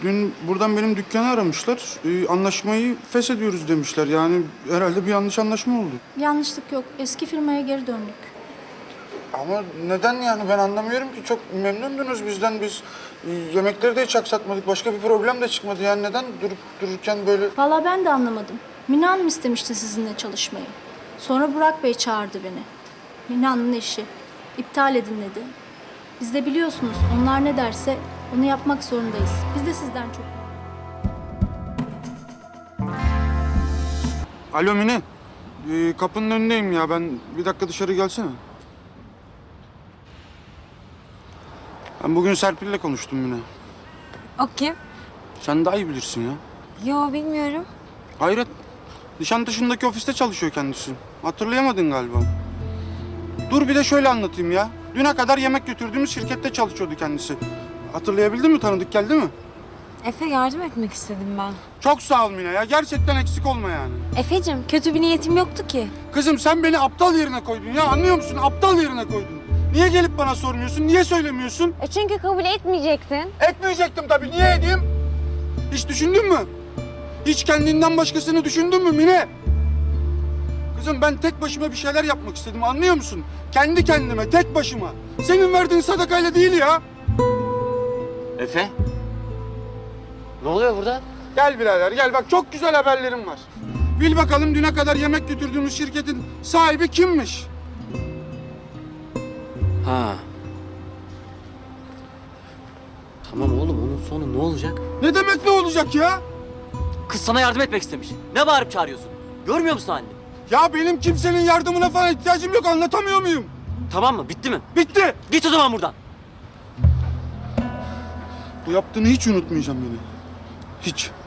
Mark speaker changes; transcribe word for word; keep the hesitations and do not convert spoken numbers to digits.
Speaker 1: dün buradan benim dükkanı aramışlar. Ee, anlaşmayı feshediyoruz demişler. Yani herhalde bir yanlış anlaşma oldu.
Speaker 2: Yanlışlık yok. Eski firmaya geri döndük.
Speaker 1: Ama neden yani ben anlamıyorum ki. Çok memnundunuz bizden. Biz e, yemekleri de hiç aksatmadık. Başka bir problem de çıkmadı. Yani neden durup dururken böyle...
Speaker 2: Vallahi ben de anlamadım. Mine Hanım istemişti sizinle çalışmayı. Sonra Burak Bey çağırdı beni. Mine Hanım'ın eşi. İptal edin dedi. Biz de biliyorsunuz onlar ne derse onu yapmak zorundayız. Biz de sizden çok...
Speaker 1: Alo Mine. Ee, kapının önündeyim ya. Ben bir dakika dışarı gelsene. Ben bugün Serpil'le konuştum Mine.
Speaker 3: O kim?
Speaker 1: Sen daha iyi bilirsin ya.
Speaker 3: Yo bilmiyorum.
Speaker 1: Hayret. Nişantaşı'ndaki ofiste çalışıyor kendisi. Hatırlayamadın galiba. Dur bir de şöyle anlatayım ya. Düne kadar yemek götürdüğümüz şirkette çalışıyordu kendisi. Hatırlayabildin mi? Tanıdık geldi mi?
Speaker 3: Efe yardım etmek istedim ben.
Speaker 1: Çok sağ ol Mine ya. Gerçekten eksik olma yani.
Speaker 3: Efe'cim kötü bir niyetim yoktu ki.
Speaker 1: Kızım sen beni aptal yerine koydun ya. Anlıyor musun? Aptal yerine koydun. Niye gelip bana sormuyorsun? Niye söylemiyorsun?
Speaker 3: E çünkü kabul etmeyecektin.
Speaker 1: Etmeyecektim tabii. Niye edeyim? Hiç düşündün mü? Hiç kendinden başkasını düşündün mü Mine? Kızım ben tek başıma bir şeyler yapmak istedim. Anlıyor musun? Kendi kendime, tek başıma. Senin verdiğin sadakayla değil ya.
Speaker 4: Efe? Ne oluyor burada?
Speaker 1: Gel birader gel. Bak çok güzel haberlerim var. Bil bakalım düne kadar yemek götürdüğümüz şirketin sahibi kimmiş?
Speaker 4: Ha. Tamam oğlum onun sonu ne olacak?
Speaker 1: Ne demek ne olacak ya?
Speaker 4: Kız sana yardım etmek istemiş. Ne bağırıp çağırıyorsun? Görmüyor musun halini?
Speaker 1: Ya benim kimsenin yardımına falan ihtiyacım yok. Anlatamıyor muyum?
Speaker 4: Tamam mı? Bitti mi?
Speaker 1: Bitti.
Speaker 4: Git o zaman buradan.
Speaker 1: Bu yaptığını hiç unutmayacağım beni. Hiç.